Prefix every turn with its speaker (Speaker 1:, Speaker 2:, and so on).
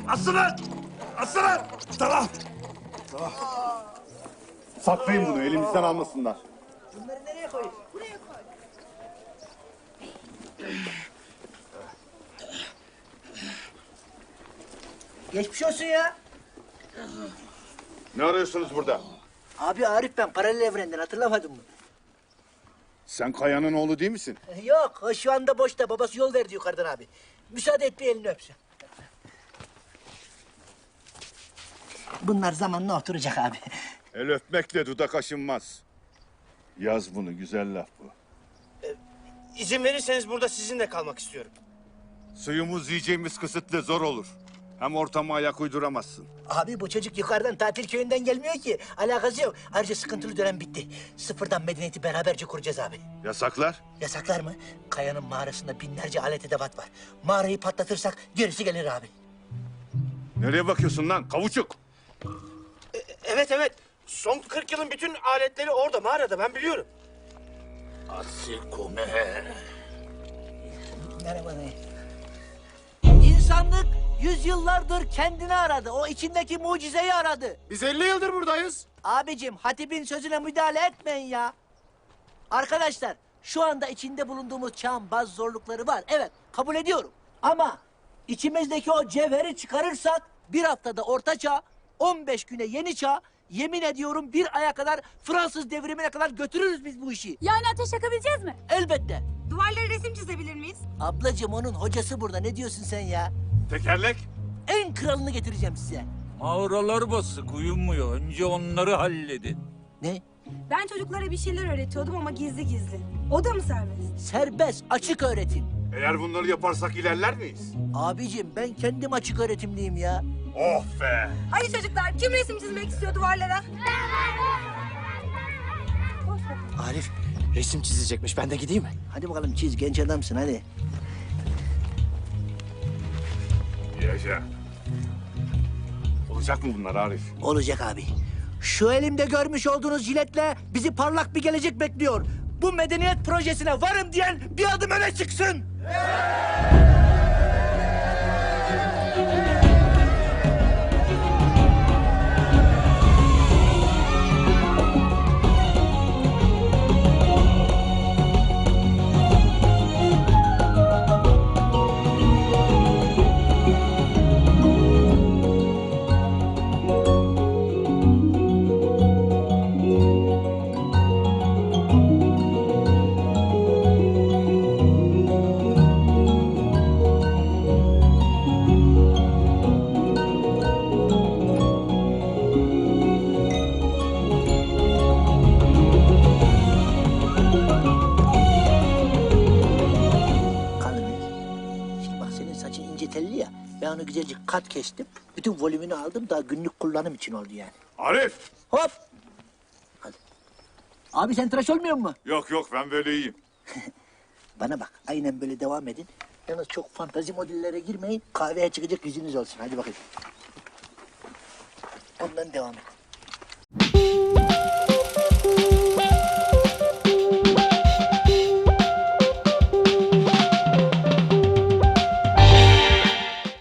Speaker 1: Aslanın! Aslanın! Tamam. Tamam. Saklayın bunu, elimizden almasınlar.
Speaker 2: Bunları nereye koyayım? Buraya koy. Geçmiş olsun ya.
Speaker 1: Ne arıyorsunuz burada?
Speaker 2: Abi Arif ben paralel evrenden hatırlamadın mı?
Speaker 1: Sen Kaya'nın oğlu değil misin?
Speaker 2: Yok o şu anda boşta babası yol verdi yukarıdan abi. Müsaade et bir elini öpsün. Bunlar zamanla oturacak abi.
Speaker 1: El öpmekle dudak aşınmaz. Yaz bunu, güzel laf bu.
Speaker 3: İzin verirseniz burada sizinle kalmak istiyorum.
Speaker 1: Suyumuz, yiyeceğimiz kısıtlı, zor olur. Hem ortama ayak uyduramazsın.
Speaker 2: Abi bu çocuk yukarıdan tatil köyünden gelmiyor ki. Alakası yok. Ayrıca sıkıntılı dönem bitti. Sıfırdan medeniyeti beraberce kuracağız abi.
Speaker 1: Yasaklar?
Speaker 2: Yasaklar mı? Kaya'nın mağarasında binlerce alet edevat var. Mağarayı patlatırsak gerisi gelir abi.
Speaker 1: Nereye bakıyorsun lan, kavuçuk?
Speaker 3: Evet. Son 40 yılın bütün aletleri orada mağarada ben biliyorum.
Speaker 2: Merhaba dayı. İnsanlık yüzyıllardır kendini aradı. O içindeki mucizeyi aradı.
Speaker 3: Biz 50 yıldır buradayız.
Speaker 2: Abicim hatibin sözüne müdahale etmeyin ya. Arkadaşlar şu anda içinde bulunduğumuz çağın bazı zorlukları var. Evet kabul ediyorum. Ama içimizdeki o cevheri çıkarırsak bir haftada orta çağ, 15 güne yeni çağ, yemin ediyorum bir aya kadar Fransız devrimine kadar götürürüz biz bu işi.
Speaker 4: Yani ateş yakabileceğiz mi?
Speaker 2: Elbette.
Speaker 4: Duvarlara resim çizebilir miyiz?
Speaker 2: Ablacığım onun hocası burada. Ne diyorsun sen ya?
Speaker 1: Tekerlek?
Speaker 2: En kralını getireceğim size.
Speaker 5: Mağaralar basık, uyumuyor. Önce onları halledin.
Speaker 2: Ne?
Speaker 4: Ben çocuklara bir şeyler öğretiyordum ama gizli gizli. O da mı serbest?
Speaker 2: Serbest, açık öğretim.
Speaker 1: Eğer bunları yaparsak ilerler miyiz?
Speaker 2: Abicim ben kendim açık öğretimliyim ya.
Speaker 1: Oh be!
Speaker 4: Hadi çocuklar kim resim çizmek istiyor duvarlara?
Speaker 3: Arif resim çizecekmiş. Ben de gideyim mi?
Speaker 2: Hadi bakalım çiz, genç adamsın hadi.
Speaker 1: Yaşa. Olacak mı bunlar Arif?
Speaker 2: Olacak abi. Şu elimde görmüş olduğunuz jiletle bizi parlak bir gelecek bekliyor. Bu medeniyet projesine varım diyen bir adım öne çıksın. Ben onu güzelce kat kestim. Bütün volümünü aldım. Daha günlük kullanım için oldu yani.
Speaker 1: Arif!
Speaker 2: Hop! Hadi. Abi sen tıraş olmuyor mu?
Speaker 1: Yok ben böyle iyiyim.
Speaker 2: Bana bak. Aynen böyle devam edin. Yalnız çok fantazi modellere girmeyin. Kahveye çıkacak yüzünüz olsun. Hadi bakayım. Ondan devam et.